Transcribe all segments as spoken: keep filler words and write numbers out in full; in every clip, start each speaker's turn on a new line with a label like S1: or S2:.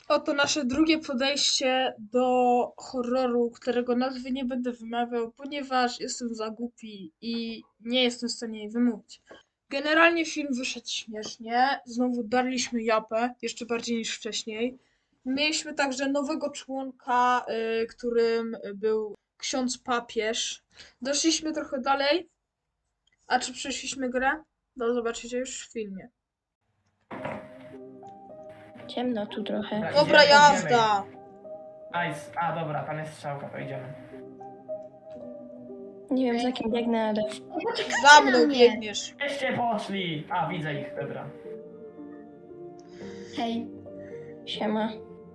S1: Oto nasze drugie podejście do horroru, którego nazwy nie będę wymawiał, ponieważ jestem za głupi i nie jestem w stanie jej wymówić. Generalnie film wyszedł śmiesznie, znowu darliśmy japę, jeszcze bardziej niż wcześniej. Mieliśmy także nowego członka, y, którym był ksiądz papież. Doszliśmy trochę dalej. A czy przeszliśmy grę? No zobaczycie już w filmie.
S2: Ciemno tu trochę.
S1: Dobra
S3: Idziemy,
S1: jazda!
S3: Nice. A dobra, tam jest strzałka, to idziemy.
S2: Nie wiem za kim biegnę, ale...
S1: Za mną biegniesz.
S3: Jeszcze poszli! A, widzę ich, dobra.
S4: Hej.
S2: Siema.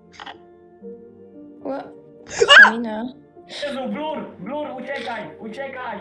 S2: Ła. Stamina.
S3: Jezu, blur! Blur, uciekaj! Uciekaj!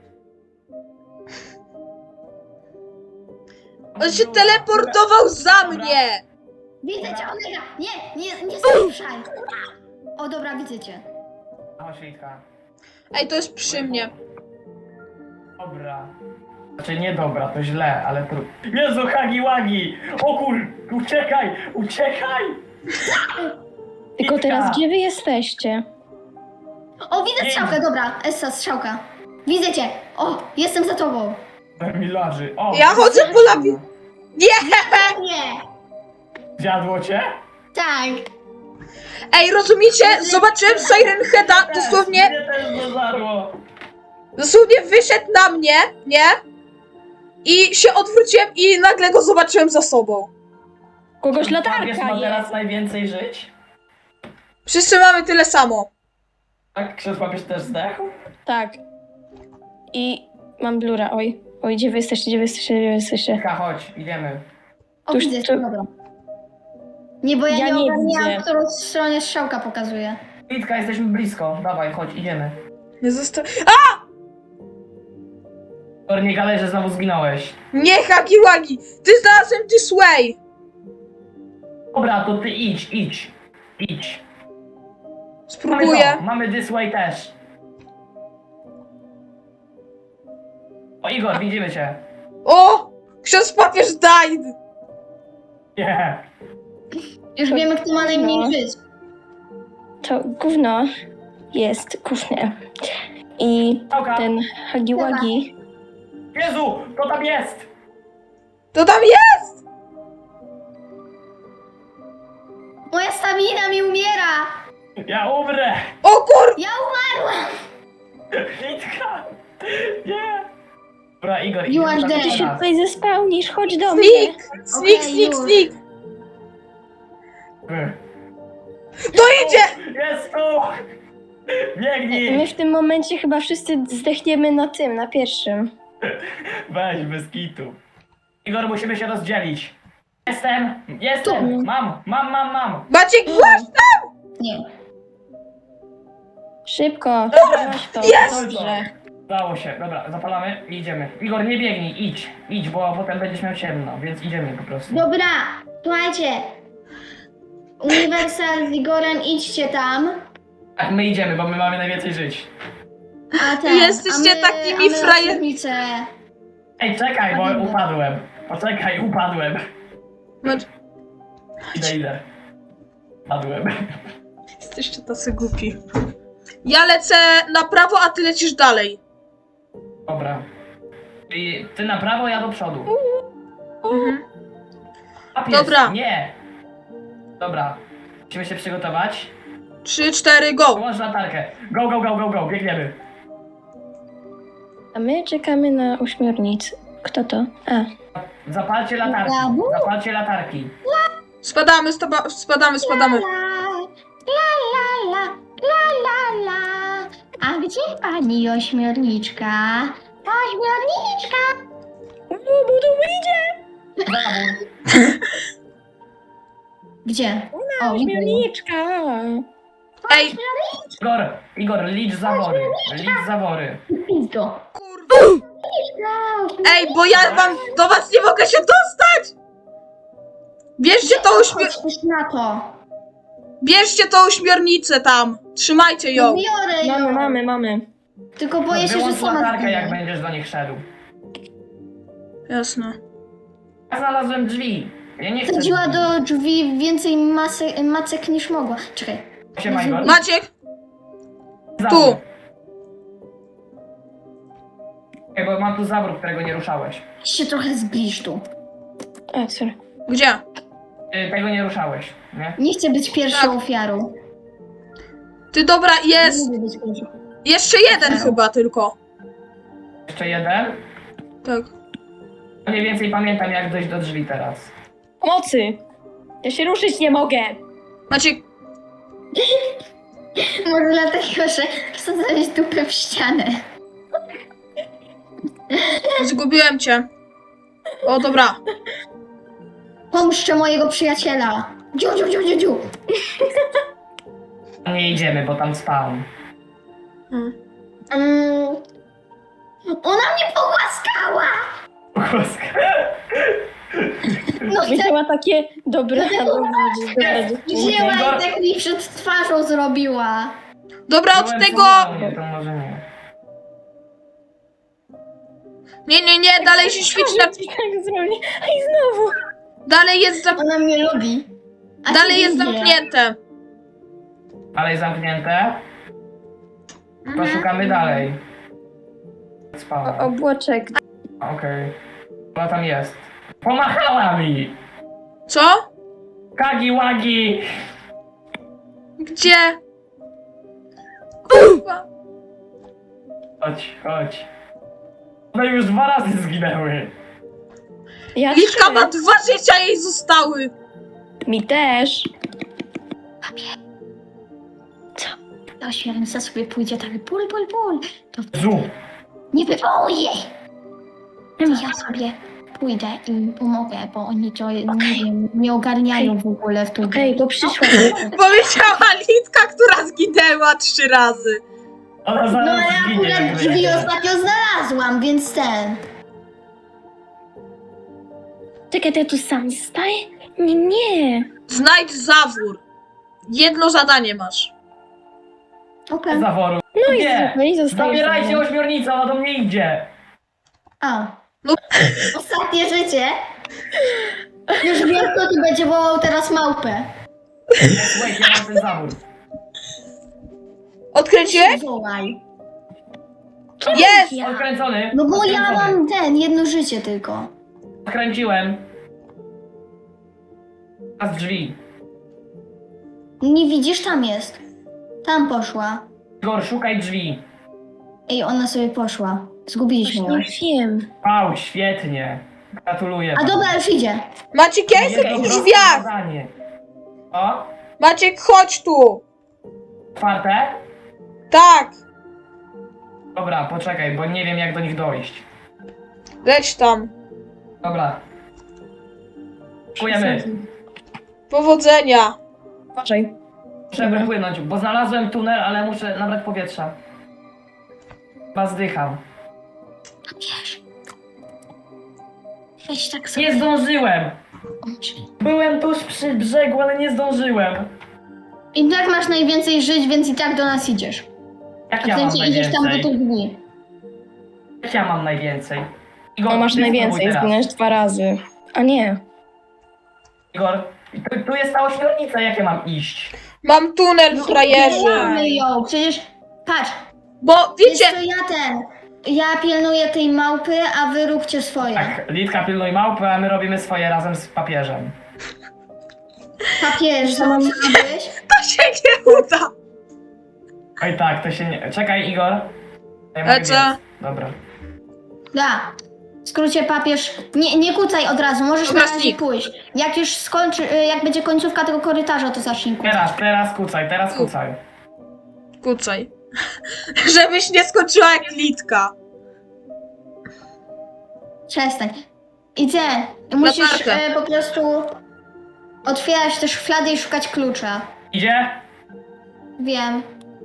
S1: On się teleportował za mnie!
S4: Widzę cię, Omega! Nie, nie, nie słyszaj! O dobra, widzę cię.
S3: Chodź, Litka.
S1: Ej, to jest przy mnie.
S3: Dobra. Znaczy nie dobra, to źle, ale to... Jezu, Hagi Wagi! O kur... Uciekaj! Uciekaj!
S2: Tylko teraz gdzie wy jesteście?
S4: O, widzę
S3: Nie.
S4: strzałkę, dobra, Essa, strzałka. Widzę cię! O, jestem za tobą.
S3: Milarzy. O!
S1: Ja chodzę po labi... Nie!
S4: Nie!
S3: Zjadło cię?
S4: Tak.
S1: Ej, rozumiecie? Zobaczyłem Siren Heada, dosłownie,
S3: Mnie też zażarło.
S1: dosłownie wyszedł na mnie, nie? I się odwróciłem i nagle go zobaczyłem za sobą.
S2: Kogoś
S3: Wiesz,
S2: latarka
S3: ma
S2: jest.
S3: teraz najwięcej żyć?
S1: Wszyscy mamy tyle samo.
S3: Tak? Ksiądz papież też zdechł?
S2: Tak. I mam blura, oj. Oj, gdzie wy jesteście, gdzie wy jesteście, gdzie wy jesteście?
S3: Litka, chodź, idziemy.
S4: O,
S2: Tuż-
S4: widzę
S2: tu-
S4: cię, dobra. Nie, bo ja,
S2: Ja
S4: nie
S2: nie
S4: ogarniałam,
S2: widzę.
S4: w którą stronę strzałka pokazuje.
S3: Litka, jesteśmy blisko. Dawaj, chodź, idziemy.
S1: Nie zosta...
S3: Tor, nie gadaj, że znowu zginąłeś.
S1: Nie, Hagiwagi! Ty znalazłem this way!
S3: Dobra, to ty idź, idź. Idź. Mamy
S1: Spróbuję.
S3: to, mamy this way też. O, Igor, widzimy cię.
S1: O! Ksiądz papież died!
S3: Nie.
S4: Już
S2: To-
S4: wiemy, kto ma najmniej
S2: no.
S4: żyć.
S2: To gówno jest gówne. I
S3: Strzałka.
S2: ten Hagiwagi...
S3: Jezu, to tam jest.
S1: To tam jest!
S4: Moja stamina mi umiera!
S3: Ja umrę.
S1: O kur...
S4: Ja umarłam!
S3: Litka. Nie. Dobra, Igor,
S4: You are
S3: idziemy
S4: dead.
S2: Ty
S3: tam
S2: się
S3: do nas.
S2: tutaj zespełnisz, chodź do mnie.
S1: Sneak! Sneak,
S4: Okej,
S1: sneak,
S4: już.
S1: sneak!
S3: Wy.
S1: To idzie!
S3: Jest tu. Biegnij.
S2: My w tym momencie chyba wszyscy zdechniemy na tym, na pierwszym.
S3: Weź, bez kitu. Igor, musimy się rozdzielić. Jestem, jestem. Mam, mam, mam, mam.
S1: Maciek, właśnie!
S4: Nie.
S2: Szybko, weź to,
S1: Jest!
S2: dobrze.
S3: Udało się, dobra, zapalamy i idziemy. Igor, nie biegnij, idź, idź, bo potem będziesz miał ciemno, więc idziemy po prostu.
S4: Dobra, słuchajcie. Uniwersal z Igorem, idźcie tam.
S3: Tak, my idziemy, bo my mamy najwięcej żyć.
S4: A ten,
S1: Jesteście
S4: a my,
S1: takimi
S4: a my
S1: frajer-
S4: osobnice.
S3: Ej, czekaj, bo upadłem. Poczekaj, upadłem.
S1: Macz...
S3: Idę, idę. Padłem.
S1: Jesteście tacy głupi. Ja lecę na prawo, a ty lecisz dalej.
S3: Dobra. I ty na prawo, ja do przodu.
S1: Mhm.
S3: A pies,
S1: Dobra.
S3: Nie. Dobra. Musimy się przygotować.
S1: Trzy, cztery, go!
S3: Włącz latarkę. Go, go, go, go, go, biegniemy.
S2: A my czekamy na uśmiornic. Kto to? A,
S3: Zapalcie latarki.
S4: Brawo.
S3: Zapalcie latarki.
S1: Spadamy, staba... spadamy, spadamy.
S4: La, la, la, la, la, la. A gdzie pani ośmiorniczka? Ośmiorniczka!
S3: Zabór.
S4: Gdzie? O, widzę ją.
S2: uśmiorniczka.
S1: Ej,
S3: Igor, Igor, licz zawory. Licz zawory.
S4: Pizdo.
S1: kurwa! Ej, bo ja wam do was nie mogę się dostać! Bierzcie tą uśmior...
S4: Chodź też na to.
S1: Bierzcie tą uśmiornicę tam. Trzymajcie ją.
S4: Biorę ją.
S2: Mamy, mamy, mamy.
S4: Tylko boję się, że
S3: Wyłącz
S4: sama
S3: latarkę, jak
S4: zginę.
S3: będziesz do nich szedł.
S1: Jasne.
S3: Ja znalazłem drzwi. Ja nie chcę.
S4: Wsadziła do drzwi więcej masy, macek niż mogła. Czekaj.
S3: Siema, Igor.
S1: Maciek,
S3: Zabór.
S1: tu.
S3: Ej, bo mam tu zabór, którego nie ruszałeś.
S4: Się trochę zbliż tu.
S2: A, sorry.
S1: Gdzie?
S3: Ty tego nie ruszałeś, nie?
S4: Nie chcę być pierwszą
S1: Tak.
S4: ofiarą.
S1: Ty dobra, jest.
S4: Nie lubię być pierwszą.
S1: Jeszcze jeden chyba tylko.
S3: Jeszcze jeden.
S1: Tak.
S3: Mniej więcej pamiętam, jak dojść do drzwi teraz.
S2: Pomocy! Ja się ruszyć nie mogę!
S1: Maciek,
S4: Może dlatego, że wsadzałeś dupę w ścianę.
S1: zgubiłem cię. O, dobra.
S4: Pomszczę mojego przyjaciela. Dziu, dziu, dziu, dziu, dziu.
S3: Nie idziemy, bo tam spałem.
S1: Hmm.
S4: Mm. Ona mnie pogłaskała! No chcę,
S2: Widziała takie dobre...
S4: Dlatego-
S2: dobre dziewczynki.
S4: wzięła
S3: Igor-
S4: i tak mi przed twarzą zrobiła.
S1: Dobra, od
S3: Byłem
S1: tego.
S3: zupełnie, to może nie.
S1: Nie, nie, nie, dalej się świeci na.
S2: Tak zrobi. A i znowu!
S1: Dalej jest zam...
S4: Ona mnie lubi. A
S1: Dalej
S4: ty
S1: jest
S4: nie.
S1: zamknięte.
S3: Ale jest zamknięte. To
S1: Mhm.
S3: szukamy dalej. Spałem.
S2: Obłoczek.
S3: Okej. Ona tam jest. Pomachała mi!
S1: Co?
S3: Kagi łagi!
S1: Gdzie? Kurwa.
S3: Chodź, chodź. No już dwa razy zginęły.
S2: Ja
S1: Liczka
S2: trzy.
S1: ma dwa życia, jej zostały.
S2: Mi też.
S4: To święca sobie pójdzie tak pul, pul, pul. To
S3: Zu!
S4: nie wywołuje. Ja sobie pójdę i pomogę, bo oni to nie wiem, nie ogarniają w ogóle w tu.
S2: Okej, bo przyszła.
S1: Powiedziała Litka, która zginęła trzy razy.
S3: Ona
S4: No
S3: zaraz
S4: ale
S3: zginie.
S4: akurat
S3: jak
S4: drzwi
S3: wyjdzie.
S4: ostatnio znalazłam, więc ten.
S2: Czekaj, to ja tu sam staję? Nie, nie.
S1: Znajdź zawór. Jedno zadanie masz.
S4: Okej.
S3: Zaworu.
S2: No i,
S3: Nie!
S2: no i zostaje.
S3: Zabierajcie
S2: samo.
S3: ośmiornicę, ona do mnie idzie!
S4: A.
S1: No.
S4: Ostatnie życie. Już wiem, kto tu będzie wołał teraz małpę.
S3: Słuchajcie, ja mam ten zawór.
S1: Odkręciłeś?
S4: Wołaj.
S1: Jest!
S3: Odkręcony.
S4: No bo ja
S3: Odkręcony.
S4: mam ten, jedno życie tylko.
S3: Odkręciłem. A z drzwi.
S4: Nie widzisz, tam jest. Tam poszła.
S3: Igor, szukaj drzwi.
S4: Ej, ona sobie poszła. Zgubiliśmy ją.
S2: Właśnie wiem.
S3: Wow, świetnie. Gratuluję.
S4: A dobra, już idzie.
S1: Maciek, ja jestem
S3: Jedno
S1: w
S3: proste
S1: drzwiach.
S3: zadanie. O,
S1: Maciek, chodź tu.
S3: otwarte?
S1: Tak.
S3: Dobra, poczekaj, bo nie wiem jak do nich dojść.
S1: Leć tam.
S3: Dobra. Dziękujemy.
S1: Powodzenia.
S2: Uważaj.
S3: Muszę wypłynąć, bo znalazłem tunel, ale muszę nabrać powietrza. Chyba zdycham.
S4: Wiesz. Weź tak sobie.
S3: Nie zdążyłem!
S4: Oczy.
S3: Byłem tuż przy brzegu, ale nie zdążyłem.
S4: I tak masz najwięcej żyć, więc i tak do nas idziesz.
S3: Jak
S4: W
S3: ja mam
S4: sensie idziesz tam do
S3: najwięcej?
S4: tych dni.
S3: Jak ja mam najwięcej? Igor,
S2: No masz
S3: ty
S2: najwięcej,
S3: spróbuj teraz.
S2: zginąłeś dwa razy. A nie.
S3: Igor, tu, tu jest ta ośmiornica, jak ja mam iść?
S1: Mam tunel, frajerzy.
S4: Mamy ją, przecież patrz.
S1: Bo
S4: Wiecie,
S1: wiecie,
S4: to ja ten. Ja pilnuję tej małpy, a wy róbcie swoje.
S3: Tak, Litka pilnuj małpy, a my robimy swoje razem z papieżem.
S4: Papież, zobaczyłeś?
S1: to się nie uda.
S3: Oj tak, to się nie... Czekaj, Igor. Ja
S1: A
S3: mogę
S1: co?
S3: biec. Dobra.
S4: Da. W skrócie papież. Nie, nie kucaj od razu, możesz
S1: Dobra,
S4: na razie
S1: snik.
S4: pójść. Jak już skończy, y, jak będzie końcówka tego korytarza, to zacznij kucać.
S3: Teraz, teraz kucaj, teraz kucaj.
S1: Kucaj. Żebyś nie skończyła jak Litka.
S4: Przestań. I ty, musisz
S1: Latarkę.
S4: e, po prostu otwierać te szuflady i szukać klucza.
S3: Idzie?
S4: Wiem.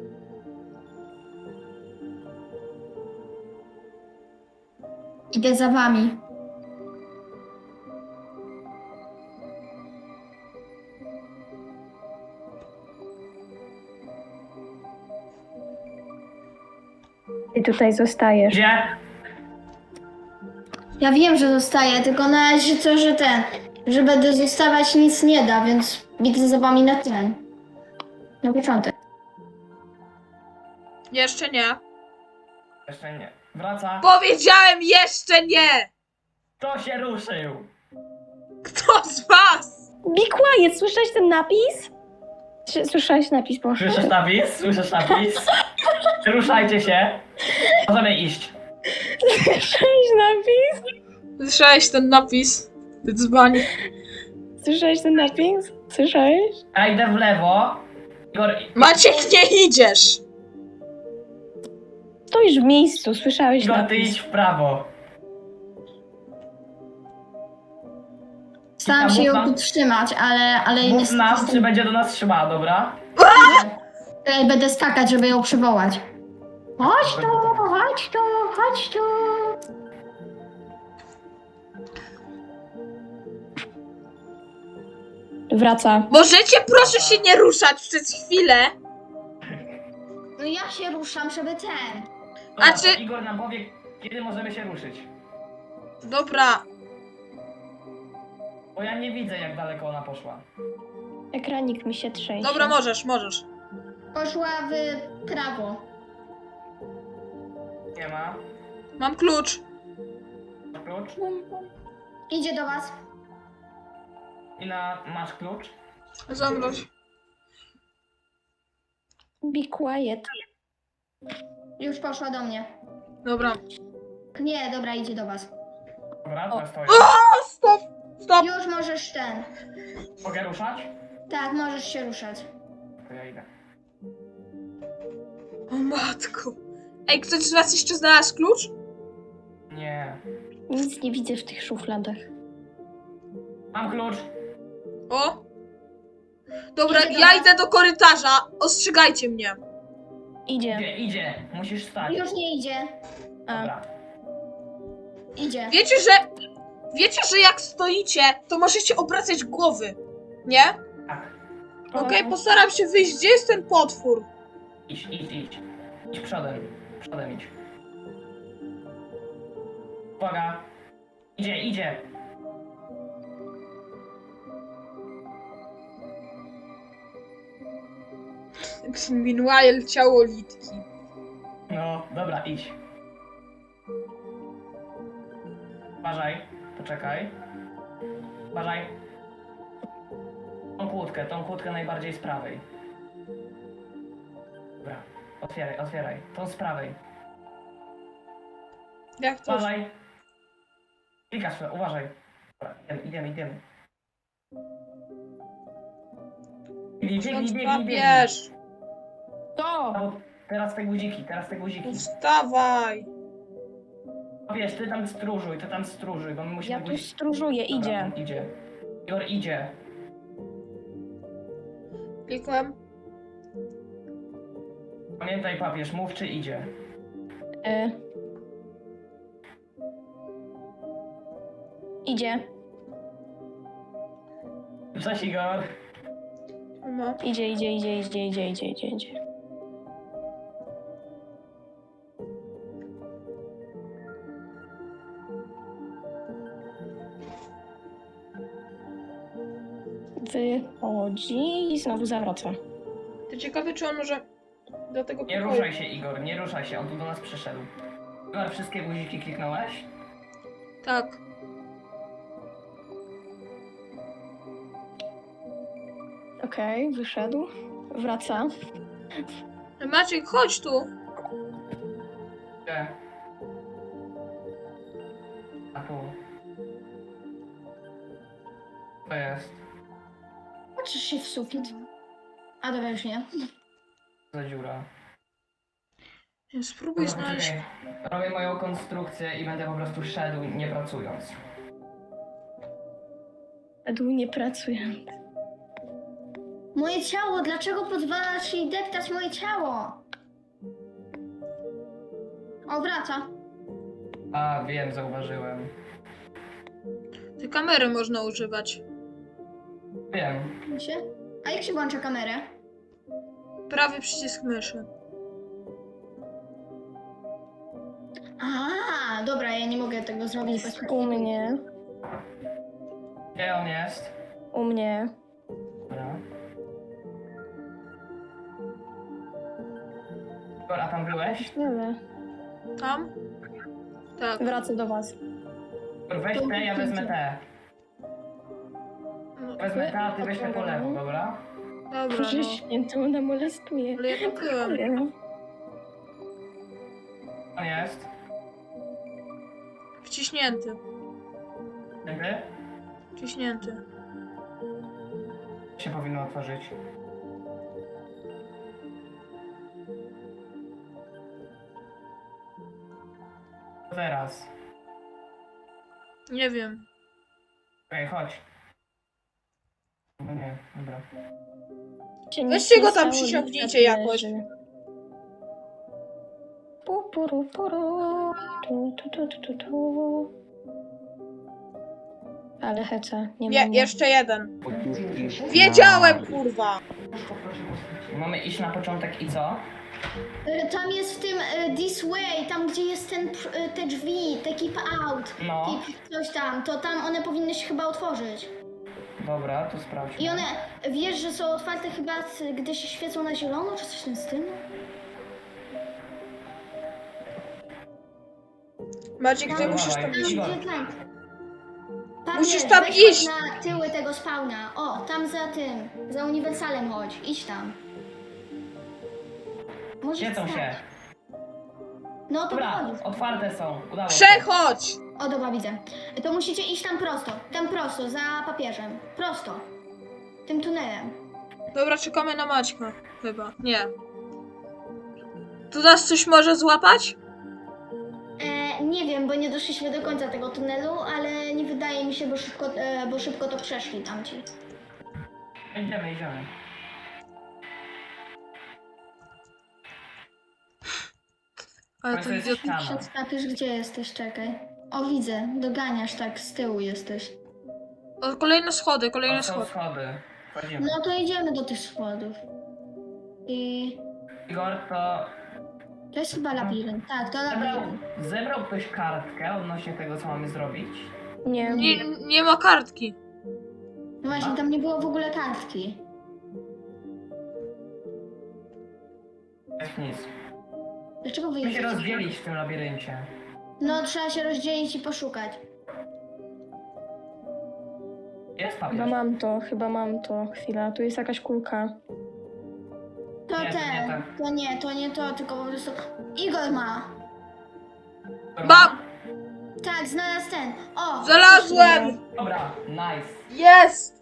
S4: Idę za wami.
S2: Ty tutaj zostajesz.
S3: Idzie?
S4: Ja wiem, że zostaję, tylko na razie co, że ten, że będę zostawać nic nie da, więc widzę za wami na ten. Na początek.
S1: Jeszcze nie.
S3: Jeszcze nie. Wraca.
S1: Powiedziałem jeszcze nie!
S3: Kto się ruszył?
S1: Kto z was?
S2: Be quiet, słyszałeś ten napis? Czy- Słyszałeś napis, Boże?
S3: Słyszysz napis? Słyszysz napis? Ruszajcie się. Możemy iść.
S2: Słyszałeś napis?
S1: Słyszałeś ten napis? Ty dzbań.
S2: Słyszałeś ten napis? Słyszałeś?
S3: Ja idę w lewo. Igor,
S1: Maciek, nie idziesz!
S2: Stoisz w miejscu, słyszałeś
S3: Igor, ty
S2: napis.
S3: idź w prawo.
S4: Staram się
S3: Mów
S4: ją
S3: nam-
S4: tu trzymać, ale, ale
S3: Mów
S4: niestety
S3: nam,
S4: jestem-
S3: czy będzie do nas trzymała, dobra?
S4: Tutaj będę skakać, żeby ją przywołać. Chodź tu, chodź tu, chodź tu.
S2: Wraca.
S1: Możecie proszę się nie ruszać przez chwilę?
S4: No ja się ruszam, żeby ten.
S3: Dobra,
S1: A czy-
S3: to Igor nam powie, kiedy możemy się ruszyć.
S1: Dobra.
S3: Bo ja nie widzę, jak daleko ona poszła.
S2: Ekranik mi się trzęsie.
S1: Dobra, możesz, możesz.
S4: Poszła w prawo.
S3: Nie ma.
S1: Mam klucz.
S3: Masz klucz?
S4: Idzie do was.
S3: I na... masz klucz?
S1: Zamroź.
S2: Be quiet.
S4: Już poszła do mnie.
S1: Dobra.
S4: Nie, dobra, idzie do was.
S3: Dobra, to ja stoję.
S1: O, stop! Stop!
S4: Już możesz ten.
S3: Mogę ruszać?
S4: Tak, możesz się ruszać.
S3: To ja idę.
S1: O matko. Ej, ktoś z was jeszcze znalazł klucz?
S3: Nie.
S2: Nic nie widzę w tych szufladach.
S3: Mam klucz.
S1: O! Dobra,
S4: Idzie do
S1: ja
S4: was.
S1: idę do korytarza. Ostrzegajcie mnie.
S2: Idzie.
S3: Idzie, idzie. Musisz stać.
S4: Już nie idzie.
S2: A,
S3: Dobra.
S4: Idzie.
S1: Wiecie, że... Wiecie, że jak stoicie, to możecie obracać głowy. Nie?
S3: Tak.
S1: Okej, postaram się wyjść. Gdzie jest ten potwór?
S3: Idź, idź, idź. Idź przodem. Przodem idź. Uwaga. Idzie, idzie.
S1: Meanwhile ciało Litki.
S3: No, dobra, idź. Uważaj. Poczekaj. Uważaj. Tą kłódkę, tą kłódkę najbardziej z prawej. Dobra. Otwieraj, otwieraj. Tą z prawej.
S1: Jak to?
S3: Uważaj. Klikasz, uważaj. Dobra, idziemy, idziemy, idziemy. Biegnij, biegnij, biegnij, biegnij.
S1: Wiesz.
S2: To!
S3: No, teraz te guziki, teraz te guziki.
S1: Wstawaj.
S3: No wiesz, ty tam stróżuj, ty tam stróżuj, bo my musimy...
S2: Ja tu
S3: guziki-
S2: stróżuję,
S3: Dobra,
S2: idzie.
S3: on idzie. Igor idzie.
S1: Klikłem.
S3: Pamiętaj, papież, mów czy idzie.
S2: Y. Idzie.
S3: Cześć, Igor.
S1: No.
S2: Idzie, idzie, idzie, idzie, idzie, idzie, idzie, idzie. Wychodzi i znowu zawraca.
S1: To ciekawe, czy on może do tego
S3: Nie
S1: pokoju...
S3: ruszaj się, Igor, nie ruszaj się, on tu do nas przyszedł. Igor, wszystkie guziki kliknąłeś?
S1: Tak.
S2: Okej, wyszedł. Wraca.
S1: Maciek, chodź tu.
S3: Gdzie? A tu. To jest.
S4: Patrzysz się w sufit. A dobra, już nie.
S3: Za dziura.
S1: Spróbuj
S3: Dobra,
S1: znaleźć...
S3: poczekaj. Robię moją konstrukcję i będę po prostu szedł, nie pracując.
S2: Edu nie pracuje.
S4: Moje ciało, dlaczego pozwalasz jej deptać moje ciało? O, wraca.
S3: A, wiem, zauważyłem.
S1: Te kamery można używać.
S3: Wiem.
S4: Się? A jak się włącza kamerę?
S1: Prawy przycisk myszy.
S4: A, dobra, ja nie mogę tego zrobić bez
S2: U mnie.
S3: Gdzie on jest?
S2: U mnie.
S3: Dobra. Igor, a tam byłeś?
S2: Ale
S1: Tam? Tak.
S2: wracam do was.
S3: Igor, weź te, ja wezmę te.
S1: No,
S3: Wezmę te, a ty weź te po lewo, dobra?
S1: dobra,
S2: Boże
S1: no.
S2: święty, ona molestuje.
S1: Ale ja to byłem.
S3: On jest.
S1: Wciśnięty.
S3: Jakby?
S1: Wciśnięty.
S3: Się powinno otworzyć. Co teraz?
S1: Nie wiem.
S3: Okej, chodź. No nie, dobra.
S2: Się
S1: Weźcie
S2: nic
S1: go
S2: nie
S1: tam,
S2: stało,
S1: przysiągniecie
S2: nic
S1: jakoś.
S2: leży. Pu, puru, puru. Tu, tu, tu, tu, tu, tu. Ale heca, nie ma
S1: Nie,
S2: mnie.
S1: jeszcze jeden.
S5: Otóż
S1: Wiedziałem, kurwa!
S3: Mamy iść na początek i co?
S4: Y, Tam jest w tym y, This Way, tam gdzie jest ten, pr- y, te drzwi, te Keep Out,
S3: No,
S4: keep coś tam, to tam one powinny się chyba otworzyć.
S3: dobra, to sprawdźmy.
S4: I one, wiesz, że są otwarte chyba, c- gdy się świecą na zielono, czy coś w tym stylu?
S1: Maciek, ty
S3: Dawaj,
S1: musisz tam
S3: dawaj.
S1: iść.
S3: Igor.
S4: Gdzie tam? Tam
S1: Musisz
S4: jest,
S1: tam
S4: weź
S1: iść.
S4: chodź na tyły tego spawna. O, tam za tym, za uniwersalem chodź, idź tam. Może
S3: Świecą
S4: tak.
S3: się.
S4: No to
S3: Dobra,
S4: chodź.
S3: otwarte są. Udało się.
S1: Przechodź!
S4: O, dobra, widzę. To musicie iść tam prosto, tam prosto, za papieżem. Prosto. Tym tunelem.
S1: Dobra, czekamy na Maćka. Chyba. Nie. Tu nas coś może złapać?
S4: E, nie wiem, bo nie doszliśmy do końca tego tunelu, ale nie wydaje mi się, bo szybko, e, bo szybko to przeszli tamci.
S3: Idziemy, idziemy.
S1: Ale
S3: Ale
S1: to
S3: to jest
S1: idiot...
S3: ściana.
S4: Przed papież, gdzie jesteś? Czekaj. O, widzę, doganiasz tak, z tyłu jesteś.
S1: O, kolejne schody, kolejne
S3: To są
S1: schody.
S3: schody. Wchodzimy.
S4: No to idziemy do tych schodów. I
S3: Igor, to
S4: to jest chyba labirynt. Tak, to
S3: zebrał,
S4: labirynt.
S3: zebrał ktoś kartkę odnośnie tego, co mamy zrobić?
S2: Nie.
S1: Nie, nie ma kartki.
S4: No właśnie, tam nie było w ogóle kartki.
S3: Jest nic.
S4: Dlaczego wy
S3: Musimy się
S4: jesteście?
S3: rozdzielić w tym labiryncie.
S4: No, trzeba się rozdzielić i poszukać.
S3: Jest
S2: Chyba
S3: papież.
S2: mam to, chyba mam to. Chwila, tu jest jakaś kulka.
S4: To
S3: Nie, to nie
S4: ten,
S3: tak.
S4: to nie, to nie to, tylko po prostu... Igor ma.
S1: Mam!
S4: Tak, znalazł ten. O!
S1: Znalazłem!
S3: Dobra, nice.
S1: Jest!